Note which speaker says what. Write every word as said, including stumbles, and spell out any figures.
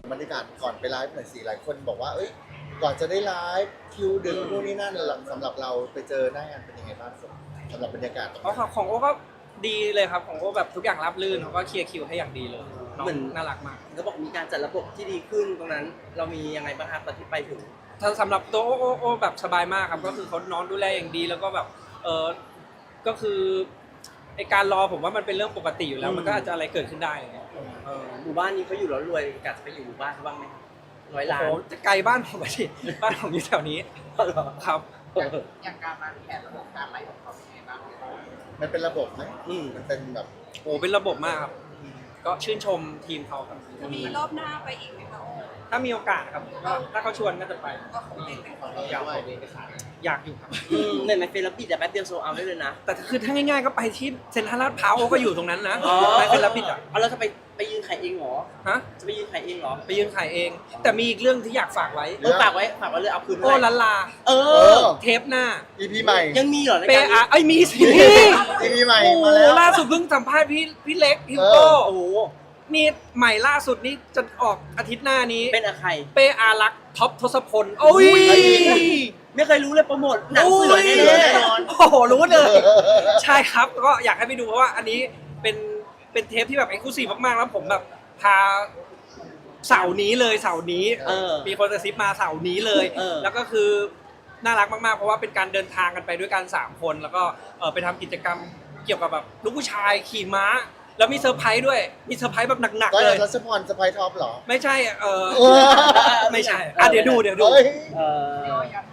Speaker 1: บรรยากาศก่อนไปไลฟ์หน่อยสิหลายคนบอกว่าเอ้ยก่อนจะได้ไลฟ์คิวดึกนู่นนี่นั่นสำหรับเราไปเจอหน้างานเป็นยังไงบ้างสำหรับบรรยากาศตรง
Speaker 2: อ๋อ
Speaker 1: นั้น
Speaker 2: ของโอ้ก็ดีเลยครับของโอ้แบบทุกอย่างราบรื่นเขาก็เคลียร์คิวให้อย่างดีเลยน้อง
Speaker 3: เหมือน
Speaker 2: น่ารักมาก
Speaker 3: เขาบอกมีการจัดระบบที่ดีขึ้นตรงนั้น เรามียังไงบ้างครับตอนที่ไปถึง
Speaker 2: ถ้าสำหรับตัวโอ้โอ้โอ้แบบสบายมากครับก็คือเขาน้องดูแลอย่างดีแล้วก็แบบเออก็คือไอการรอผมว่ามันเป็นเรื่องปกติอยู่แล้ว
Speaker 3: อืม
Speaker 2: มันก็อาจจะอะไรเกิดขึ้นได้อะไรเงี้ย
Speaker 3: เออหมู่บ้านนี้เขาอยู่แล้วรวยกะจะไปอยู่หมู่บ้านเขาบ้างไหมร้อยล้าน
Speaker 2: โอ้โหจะไกลบ้านผมไปดิบ้านผมอยู่แถวนี้ครับ
Speaker 4: อย่างการวางแผนระบบการไลฟ์ของเขาเป็นยังไงบ้าง
Speaker 1: มันเป็นระบบไหม
Speaker 3: อืม
Speaker 1: มันเป็นแบบ
Speaker 2: โอ้เป็นระบบมากครับก็ชื่นชมทีมเขาครับ
Speaker 4: จะมีรอบหน้าไปอีกไหมคะโอ้
Speaker 2: ถ้ามีโอกาสครับก็ถ้าเขาชวนก็จะไป
Speaker 4: ก็คงเป็นเป็นของเรา
Speaker 1: อยาก
Speaker 4: ด้วย
Speaker 2: อยากอยู่ครับ
Speaker 3: อืมเนี่ยในเฟซแล้วปิดแต่แป๊บเดียวโซเอาได้เลยนะ
Speaker 2: แต่คือถ้าง่ายๆก็ไปที่เซ็นทรัลลาดพร้าวก็อยู่ตรงนั้นนะ
Speaker 3: อ๋อ
Speaker 2: ไปเป็นรับผิดอ่ะ
Speaker 3: เอาแล้วจะไปไปยืนขายเองเหรอ
Speaker 2: ฮะ
Speaker 3: จะไปยืนขายเองเหรอ
Speaker 2: ไปยืนขายเอง แต่มีอีกเรื่องที่อยากฝากไว้
Speaker 3: เออฝากไว้ฝากไว้เลยเอาคืน
Speaker 2: โอ้
Speaker 3: เท่าไหร่
Speaker 2: ลันลา
Speaker 3: เอ
Speaker 1: เอ
Speaker 3: อ
Speaker 1: อ
Speaker 2: เทปหน้า
Speaker 1: อีพีใหม่
Speaker 3: ยังมีเหรอใน
Speaker 2: เป
Speaker 3: การ
Speaker 2: อาไอ้ยมีสิ
Speaker 1: อีพีใหม่
Speaker 2: โอ้โห
Speaker 1: มาแล้ว
Speaker 2: ล่าสุดเพิ่งสัมภาษณ์พี่พี่เล็กฮิว
Speaker 1: เอ
Speaker 2: โก้
Speaker 1: อ
Speaker 3: โอ้โห
Speaker 2: นี่ใหม่ล่าสุดนี่จะออกอาทิตย์หน้านี้
Speaker 3: เป็นอะใคร
Speaker 2: เปอารักษ์ท็อปทศพลโอ้ย
Speaker 3: ไม่เคยรู้เลยโปรโมทหนัง
Speaker 2: โอ้
Speaker 3: เสือย แน่ๆแน่นอน
Speaker 2: โอ้โหรู้เลย ใช่ครับก็อยากให้ไปดูเพราะว่าอันนี้เป็นเป็นเทปที่แบบเอ็กซ์คลูซีฟมากๆแล้วผมแบบพาเสาร์นี้เลยเสาร์นี้
Speaker 3: เออ
Speaker 2: มีคนกระซิบมาเสาร์นี้เลย
Speaker 3: เออ
Speaker 2: แล้วก็คือน่ารักมากๆเพราะว่าเป็นการเดินทางกันไปด้วยกันสามคนแล้วก็เออไปทำกิจกรรมเกี่ยวกับแบบลูกผู้ชายขี่ม้า แล้วมีเซอร์ไพรส์ด้วยมีเซอร์ไพรส์แบบหนัก
Speaker 1: ก็
Speaker 2: ๆเลย
Speaker 1: รัชพรสไปท็อปเหรอ
Speaker 2: ไม่ใช่เออ
Speaker 1: เออ
Speaker 2: ไม่ใช่อ่ะเดี๋ยวดูเดี๋ยวดู
Speaker 1: เฮ้ย
Speaker 3: เออ